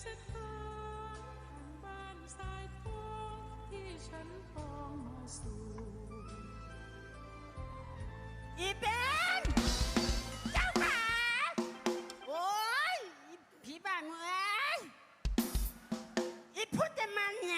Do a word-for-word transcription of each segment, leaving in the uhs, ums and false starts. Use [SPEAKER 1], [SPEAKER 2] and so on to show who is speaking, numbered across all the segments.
[SPEAKER 1] สถานบ้านสายทองที่ฉันปองมาสู่
[SPEAKER 2] อีเป็นเจ้าขาโอ้ยผีบ้ามึงเอ้ยอีพูดจะมาไง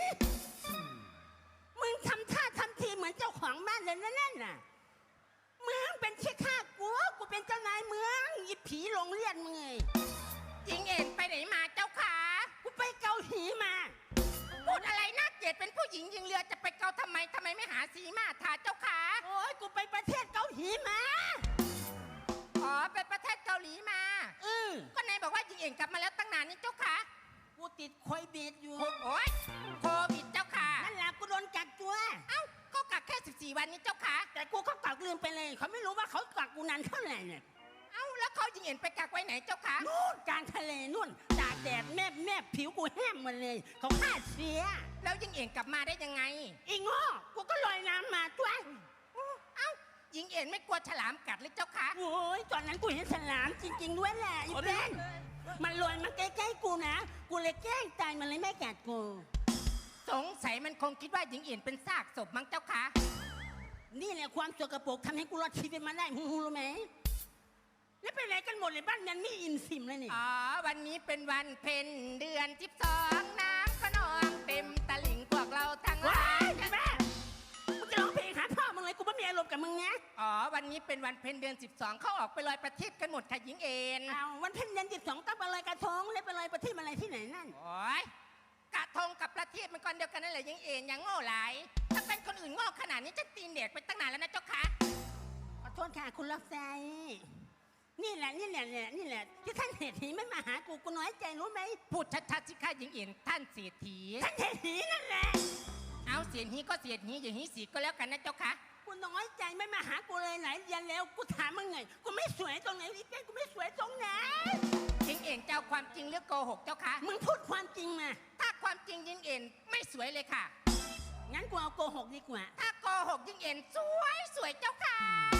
[SPEAKER 2] มึงทำท่าทำทีเหมือนเจ้าของบ้านเลยนั่นน่ะมึงเป็นชี้ข้ากูกูเป็นเจ้านายเมืองอีผีโรงเรียนมึงไง
[SPEAKER 3] หญิงเอ็นไปไหนมาเจ้าขา
[SPEAKER 2] กูไปเกาหลีมา
[SPEAKER 3] พูดอะไรน่าเกลียดเป็นผู้หญิงยิงเรือจะไปเกาทำไมทำไมไม่หาสีมาทาเจ้าขา
[SPEAKER 2] โอ้ยกูไปประเทศเกาหลีมา
[SPEAKER 3] อ๋อไปประเทศเกาหลีมา
[SPEAKER 2] เออ
[SPEAKER 3] ก็นายบอกว่าหญิงเอ็นกลับมาแล้วตั้งนานนี่เจ้าขา
[SPEAKER 2] กูติดโควิดอยู่
[SPEAKER 3] โอ้ยโควิดเจ้าขา
[SPEAKER 2] นั่นแหละกูโดนกักตัว
[SPEAKER 3] เอ้าก็กักแค่สิบสี่วันนี้เจ้าขา
[SPEAKER 2] แต่กูเขากักลืมไปเลยเขาไม่รู้ว่าเขากักกูนานเท่าไหร่เนี่ย
[SPEAKER 3] เอ้าแล้วเขาหญิงเอ็นไปกักไว้ไหนเจ้าขา
[SPEAKER 2] นู่นกลางทะเลนู่นตากแดดแมบแมบผิวกูแห้งหมดเลยเขาฆ่าเสีย
[SPEAKER 3] แล้วหญิงเอ็นกลับมาได้ยังไง
[SPEAKER 2] อีง้อกูก็ลอยน้ำมาตัว
[SPEAKER 3] เอ้าหญิงเอ็นไม่กลัวฉลามกัดเลยเจ้าขา
[SPEAKER 2] โอ้ยตอนนั้นกูเห็นฉลามจริงๆด้วยแหละอีเบนมันลอยมาใกล้ๆกูนะกูเลยแกล้งตายมันเลยไม่กัดกู
[SPEAKER 3] สงสัยมันคงคิดว่าหญิงเอ็นเป็นซากศพมั้งเจ้าขา
[SPEAKER 2] นี่แหละความสกปรกทำให้กูรอดชีวิตมาได้มึงรู้ไหมแล้วไปไหนกันหมดเลยบ้านยันไม่อิ่มสิมเลยนี่
[SPEAKER 3] อ๋อวันนี้เป็นวันเพ็ญเดือนสิบสองน้ำก็นองเต็มตะลิ่งพวกเราทั้งหลาย
[SPEAKER 2] แม่มึงจะร้องเพลงหาพ่อมึงเลยกูไม่มีอารมณ์กับมึงนะ
[SPEAKER 3] อ๋อวันนี้เป็นวันเพ็ญเดือนสิบสองเขาออกไปลอยประทีปกันหมดค่ะหญิงเอ็น
[SPEAKER 2] เอาวันเพ็ญเดือนสิบสองต้องไปลอยกระทงแล้วไปลอยประทีปอะไรที่ไหนนั่น
[SPEAKER 3] โอ้ยกระทงกับประทีปมันก้อนเดียวกันนั่นแหละหญิงเอ็นยังโง่หลายถ้าเป็นคนอื่นโง่ขนาดนี้จะตีนเด็กไปตั้งนานแล้วนะเจ้าค่ะ
[SPEAKER 2] ขอโทษค่ะคุณล็อกใจนี่แหละนี่แหละเนี่ยนี่แหละที่ท่านเศรษฐีไม่มาหากูกูน้อยใจรู้ไหม
[SPEAKER 3] พูดชัดๆสิค่ะหญิงเอ็นท่านเศรษฐี
[SPEAKER 2] ท่านเศรษฐีนั่นแหละ
[SPEAKER 3] เอาเสียหีก็เสียหีอย่างนี้สีก็แล้วกันนะเจ้าค่ะ
[SPEAKER 2] กูน้อยใจไม่มาหากูเลยไหนยันแล้วกูถามมึงไงกูไม่สวยตรงไหนลิเก้กูไม่สวยตรงไหน
[SPEAKER 3] หญิงเอ็นเจ้าความจริงหรือโกหกเจ้าค่ะ
[SPEAKER 2] มึงพูดความจริงมา
[SPEAKER 3] ถ้าความจริงหญิงเอ็นไม่สวยเลยค่ะ
[SPEAKER 2] งั้นกูเอาโกหกดีกว่า
[SPEAKER 3] ถ้าโกหกหญิงเอ็นสวยสวยเจ้าค่ะ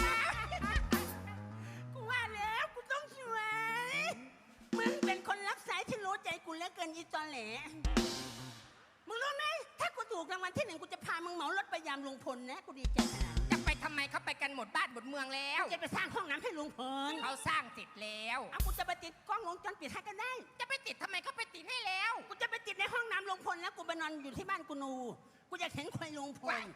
[SPEAKER 2] กูว่าแล้วกูต้องสวยมึงเป็นคนรับสายที่รู้ใจกูเหลือเกินอีตอนแหลมึงรู้ไหมถ้ากูถูกรางวัลที่หนึ่งกูจะพามึงเหมารถไปยามลุงพลนะกูดีใจขนาด
[SPEAKER 3] จะไปทำไมเขาไปกันหมดบ้านหมดเมืองแล้ว
[SPEAKER 2] จะไปสร้างห้องน้ำให้ลุงพล
[SPEAKER 3] เขาสร้างเสร็จแล้ว
[SPEAKER 2] เอากูจะไปติดกล้องวงจรปิดให้กันได้
[SPEAKER 3] จะไปติดทำไมเขาไปติดให้แล้ว
[SPEAKER 2] กูจะไปติดในห้องน้ำลุงพลแล้วกูไปนอนอยู่ที่บ้านกูนูกูอยากเห็นควายลุงพล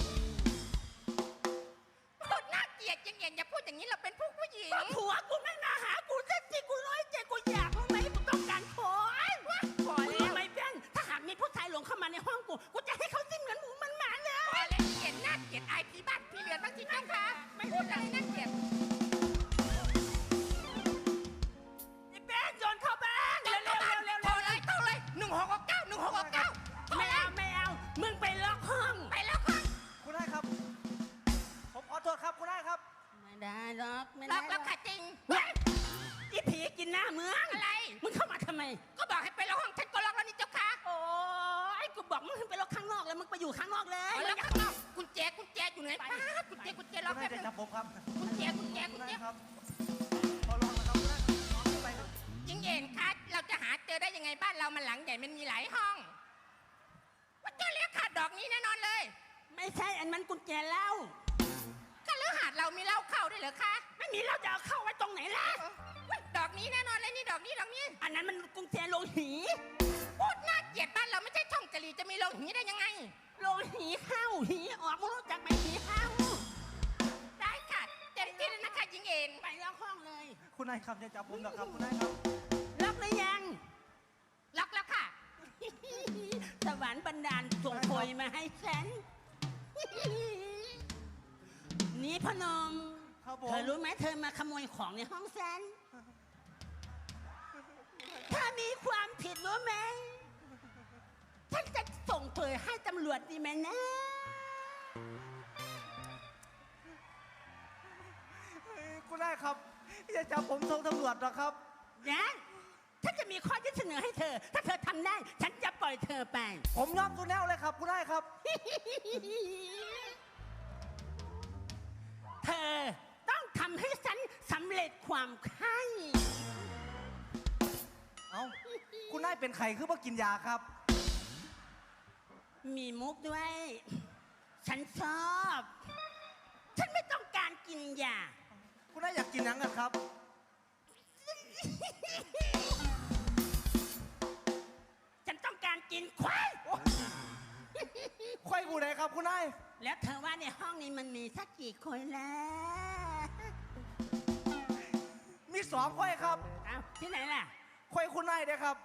[SPEAKER 3] พูดน่าเกลียดยังเย็นอย่าพูดอย่างนี้เราเป็นผู้ผู้หญิง
[SPEAKER 2] ผัวกูไม่มาหากูสักทีกูร้อยใจกูอยากรู้ไหมกูต้องการขอ
[SPEAKER 3] ขอแล้ว
[SPEAKER 2] ไม่เป็นถ้าหากมีผู้ชายหลงเข้ามาในห้องกูกูจะให้เขาจิ้มเหมือนหมูมันหมาเลย
[SPEAKER 3] ขอแล้วเกลียดน่าเกลียดไอพี่บ้านพี่เรือนบ้างสิเจ้าค่ะไม่พูดอะไรน่าเกลียด
[SPEAKER 2] ไอ้แป้งโจรเข้าบ้าน
[SPEAKER 3] เร็วเร็วเร็วเร็วโทรเลยโทรเลยหนึ่งหกหกเก้าหนึ่งหกหกเก้า
[SPEAKER 2] ไม่เอาไม่เอามึงไปล็อกห้อง
[SPEAKER 3] ไปล็อกห้อง
[SPEAKER 4] คุณได้ครับผมขอโทษครับคุณได้ครับ
[SPEAKER 2] ไม่ได้ล็อกไม่
[SPEAKER 3] ได้ล็อกแล้วค่ะจริง
[SPEAKER 2] อีผีกินหน้าเมือง
[SPEAKER 3] อะไร
[SPEAKER 2] มึงเข้ามาทำไม
[SPEAKER 3] ก็บอกให้ไปล็อกห้องฉันก็ล็อกแล้วนี่เจ้าค่ะ
[SPEAKER 2] โอ้ยกูบอกมึงไปล็อกข้างนอกแล้วมึงไปอยู่ข้างนอกเลย
[SPEAKER 3] ล็อกข้างนอกกุญแจกุญแจอยู่ไหนป้ากุญแจกุญแจล็อกให้
[SPEAKER 4] ผมจับผมครับ
[SPEAKER 3] กุญแจกุญแจกุญแจ
[SPEAKER 4] ครับขอลองนะครับคุณได้ลองไปครับ
[SPEAKER 3] จริงเอ็นคะเราจะหาเจอได้ยังไงบ้านเรามันหลังใหญ่มันมีหลายห้องว่าเจ้าเลี้ยงขาดดอกนี้แน่นอนเลย
[SPEAKER 2] ไม่ใช่อันมันกุญแจเหล้า
[SPEAKER 3] ก็เลือหาดเรามีเหล้าเข้าด้วยเหรอคะ
[SPEAKER 2] ไม่มีเราจะเอาเข้าไว้ตรงไหนล่ะ
[SPEAKER 3] ดอกนี้แน่นอนเลยนี่ดอกนี้ดอกนี้
[SPEAKER 2] อันนั้นมันกุญแจโลหี
[SPEAKER 3] พูดน่าเกลียดบ้านเราไม่ใช่ช่องกะหรี่จะมีโลหีได้ยังไง
[SPEAKER 2] โลหีเข้าหีออกไม่รู้จักไหมหีเข้า
[SPEAKER 3] ได้ค่ะเต็มที่เลยนะคะหญิงเอ็น
[SPEAKER 2] ไปล็อกห้องเลย
[SPEAKER 4] คุณนายครับจะจับผมนะครับคุณนายครับ
[SPEAKER 2] ล็อกหรือยัง
[SPEAKER 3] ล็อกแล้วค่ะ
[SPEAKER 2] สวรรค์บันดาลส่งโพยมาให้ฉันนี่พนมเธอรู้ไหมเธอมาขโมยของในห้องฉันถ้ามีความผิดรู้ไหมฉันจะส่งเผยให้ตำรวจดีไหมนะ
[SPEAKER 4] คุณนายครับอย่าจับผมส่งตำรวจหรอกครับ
[SPEAKER 2] นะถ้าจะมีข้อยื่นเสนอให้เธอถ้าเธอทำได้ฉันจะปล่อยเธอไป
[SPEAKER 4] ผมยอมคุณแล้วเลยครับคุณนายครับ
[SPEAKER 2] เธอต้องทำให้ฉันสำเร็จความใคร่
[SPEAKER 4] เอ้าคุณนายเป็นไข่คือว่ากินยาครับ
[SPEAKER 2] มีมุกด้วย ฉันชอบ ฉันไม่ต้องการกินยา
[SPEAKER 4] คุณนายอยากกินหยังกันครับ
[SPEAKER 2] ฉันต้องการกินควาย
[SPEAKER 4] ควายกูไหนครับคุณนาย
[SPEAKER 2] แล้วเธอว่าในห้องนี้มันมีสักกี่คนแล้ว
[SPEAKER 4] มีสองควายครับ
[SPEAKER 2] เอ้าที่ไหนล่ะ
[SPEAKER 4] ควายคุณนายเด้อครับ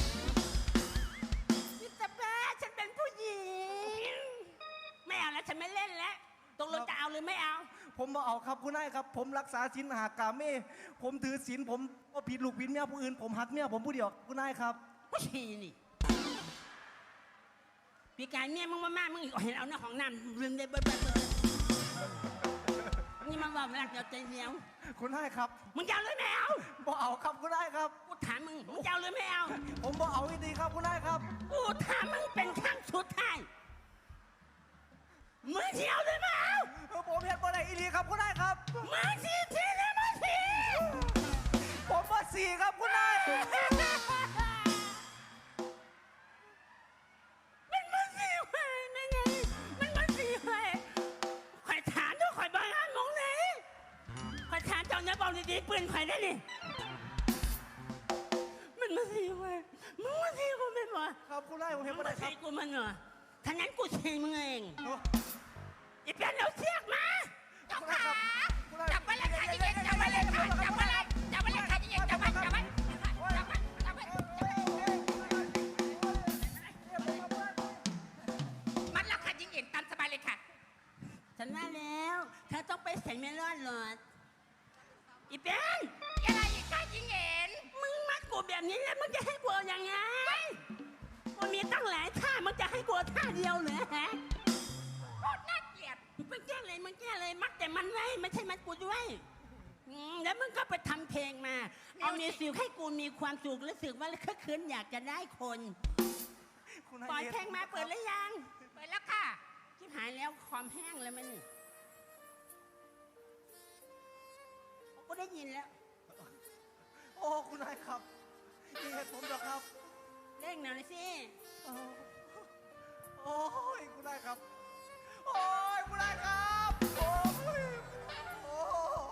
[SPEAKER 2] มิสเตอร์แป๊ะฉันเป็นผู้หญิง ไม่เอาแล้วฉันไม่เล่นแล้วตกลงจะเอาหรือไม่เอา
[SPEAKER 4] ผมมาเอาครับคุณนายครับ ผมรักษาศีลหากาเม่ผมถือศีลผมก็ผิดลูกผิดเมียผู้อื่นผมหักเมียผมผู้เดียวคุณนายครับ
[SPEAKER 2] ผู้ชีนี่พี่การเมียมึงมาม่ามึงเห็นเอาหน้าของน้ำลืมได้เบิดเบิดเบิดนี่มันว่ามันรักเดียวใจเดียว
[SPEAKER 4] คุณนายครับ
[SPEAKER 2] มึงจะเอาหรือไม่เอา
[SPEAKER 4] บ่เอาครับคุณนายครับ
[SPEAKER 2] กูถามมึงมึงจะเอาหรือไม่เอา
[SPEAKER 4] ผมบ่เอาอีดีครับคุณนายครับ
[SPEAKER 2] กูถามมึงเป็นครั้งสุดท้ายมึงจะเอาหรือไม่เอา
[SPEAKER 4] เออผมเห็นบ่ได้อีดีครับคุณนายครับ
[SPEAKER 2] มึงสิทีหรือมึงสิ
[SPEAKER 4] ผมว่าสี่ครับคุณนาย
[SPEAKER 2] มันมึงสิเว้ยไม่ไงมันมึงสิเว้ยข่อยถามด้วยข่อยบ้านมองไหนข่อยถามเจ้าเนื้อบอกดีๆปืนข่อยได้นี่มันมึงสิเว้ยมึงมึงสิกูไม่บอก
[SPEAKER 4] ครับคุณนายผมเห็น
[SPEAKER 2] มึ
[SPEAKER 4] บ่
[SPEAKER 2] ง
[SPEAKER 4] ได้
[SPEAKER 2] มา
[SPEAKER 4] ครั
[SPEAKER 2] ใส่
[SPEAKER 4] บ
[SPEAKER 2] กูมันเหรอถ้างั้นกูใช้มึงเอง
[SPEAKER 4] โอ้
[SPEAKER 2] อีเปียนเอาเสียกมา
[SPEAKER 3] เจ้าขาจับไว้เลยค่ะยิ่งเย็นจับไว้เลยค่ะจับไว้เลยจับไว้เลยค่ะยิ่งเย็นจับไว้จับไว้จับไว้จับไว้มัดแล้วค่ะยิ่งเย็นตามสบายเลยค่ะ
[SPEAKER 2] ฉันว่าแล้วเธอต้องไปใส่เมลอนหลอดอีเปียน
[SPEAKER 3] อะไรอีกค่ะยิ่งเย็น
[SPEAKER 2] มึงมัดกูแบบนี้แล้วมึงจะให้กูเอายังไงกูมีตั้งหลายท่ามึงจะให้กูเอาท่าเดียวเหรอฮะ
[SPEAKER 3] โคตรน่าเกลียด
[SPEAKER 2] มึงแก้เลยมึงแก้เลยมัดแต่มันไว้ไม่ใช่มัดกูด้วยอืมแล้วมึงก็ไปทำเพลงมา เอามีสิวให้กูมีความสุขรู้สึกว่าคึกคืนอยากจะได้คน
[SPEAKER 4] คุณนาย
[SPEAKER 2] ปล่อยเพลงมาเปิดหรือยัง
[SPEAKER 3] เปิดแล้วค่ะ
[SPEAKER 2] ชิบหายแล้วความแห้งแล้วมันนี่กูได้ยินแล้ว
[SPEAKER 4] โอ้คุณนายครับนี่เหตุผมเหรอครับ
[SPEAKER 2] เร่งหน่อยสิ
[SPEAKER 4] โอ้โอ้ยคุณนายครับ โอ้ยคุณนายครับโอ้ยโอ้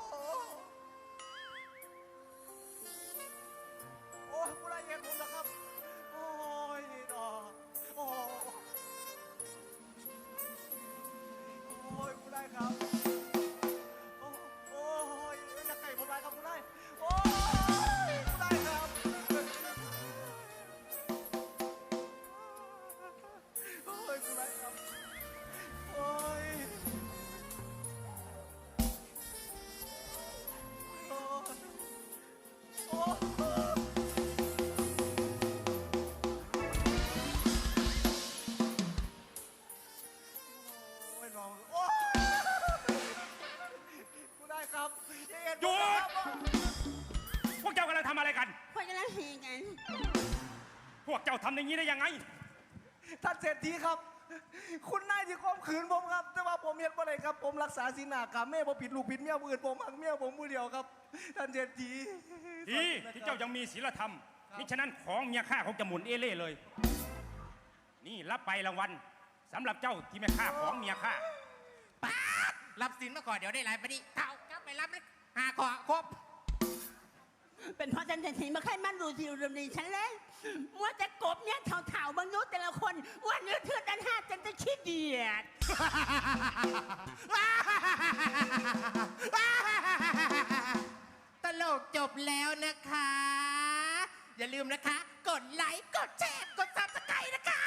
[SPEAKER 4] โอ้ยคุณนายเหตุผมเหรอครับ โอ้ยนี่ดอกโอ้โอ้ยคุณนายครับโอ้โอ้ยอย่าไก่ผมได้ครับคุณนายโอ้ยคุณนายครับ โอ้ยคุณนายครับ โอ้ย โอ้ยโอ้ยโอ้ยน้องโอ้ยคุณนายครับอย่าเอ็น
[SPEAKER 5] หยุด
[SPEAKER 4] ครับ
[SPEAKER 5] พวกเจ้ากำลังทำอะไรกัน
[SPEAKER 2] คนกำลังเฮกัน
[SPEAKER 5] พวกเจ้าทำอย่างนี้ได้ยังไง
[SPEAKER 4] ท่านเศรษฐีครับ คุณนายที่ข่มขืนผมครับ แต่ว่าผมเห็นบ่ได้ครับ ผมรักษาศีลหากรรมแม่ผมผิดลูกผิดเมียผู้อื่นผมหักเมียผมผู้เดียวครับ ท่านเศรษฐี
[SPEAKER 5] ดีที่เจ้ายังมีศีลธรรมมิฉะนั้นของเมียข้าคงจะหมุนเอเล่เลย นี่รับไปรางวัลสำหรับเจ้าที่ไม่ฆ่าของเมียข้า
[SPEAKER 3] ป๊าดรับสินมาก่อนเดี๋ยวได้ไรไปดิเท่าเจ้าไปรับเลยหาขอครบ
[SPEAKER 2] เป็นเพราะฉันจะถีมาใครมันดูสิรดีฉันเลยมัวแต่กบเนี่ยเถ่าๆบางยุแต่ละคนว่าเนื้อเทือดันห้าจนจะขี้เดียด
[SPEAKER 3] ตลกจบแล้วนะคะ อย่าลืมนะคะ กดไลค์ กดแชร์ กดซับสไครต์นะคะ